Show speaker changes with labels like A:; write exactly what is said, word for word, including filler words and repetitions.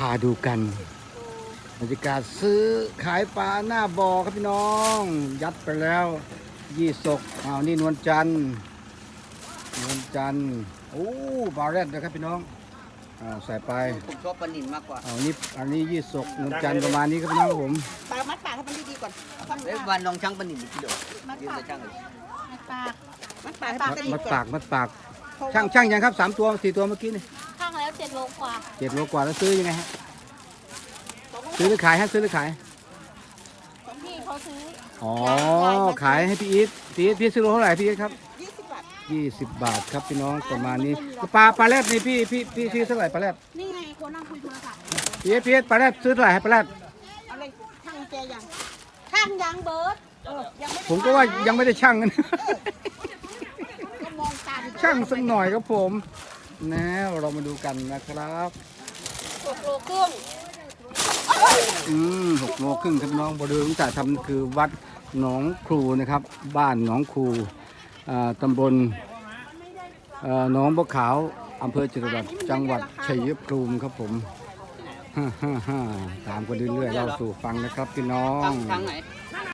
A: าดูกันบรรยากาศซื้อขายปลาหน้าบ่อครับพี่น้องยัดไปแล้วยี่สกอ้าวนี่นวลจันทร์นวลจันทร์โอ้บาเรตนะครับพี่น้องอ้าวใส่ไป
B: ผมชอบปลาหนินมากกว่า
A: อ้าวนี่อันนี้ยี่สกนวลจันทร์ประมาณนี้ครับพี่น้องครับผม
C: ปลามัดปากให้มันดีๆก่อน
B: เอ้ยวันลองช่างปลาหนินกิโลยืมไปช่างเลย
C: มัดปากมัดปากให้มันดี
A: มัด
C: ก่อน
A: ปากมัดปากช่างช่างยังครับสามตัวสี่ตัวเมื่อกี้นี่
C: ข้างแล้วเจ็ดโลกว่า
A: เจ็ดโลกว่าแล้วซื้อยังไงฮะซื้อหรือขายฮะซื้อหรือขาย
C: ของพี่เขาซื้อ
A: อ๋อขายให้พี่อีทพี่อีทพี่ซื้อโลเท่าไหร่พี่อีทครับ
C: ยี่สิบบาท
A: ยี่สิบบาทครับพี่น้องประมาณนี้ปลาปลาแรดนี่พี่พี่พี่ซื้อเท่าไหร่ปลาแรด
C: นี่ไงคนนั่งคุยโทรศัพท์
A: พี่อีทพี่อีทปลาแรดซื้อเท่าไหร่ให้ปลาแรด
C: อะไรช่างแกยังช่างยังเบิร์ดยังไม่
A: ผมก็ว่ายังไม่ได้ช่างกัน
C: ก็มองตา
A: ช่างสักหน่อยครับผมนะเรามาดูกันนะครับ
C: หกโลครึ่ง
A: อืมหกโลครึ่งครับพี่น้องบริเวณที่จะทำคือวัดหนองครูนะครับบ้านหนองครูตำบลหนองบัวขาวอำเภอจตุรัสจังหวัดชัยภูมิครับผมฮ่าฮ่าฮ่าตามกันเรื่อยๆเล่าสู่ฟังนะครับพี่น้อง
B: ทางไหน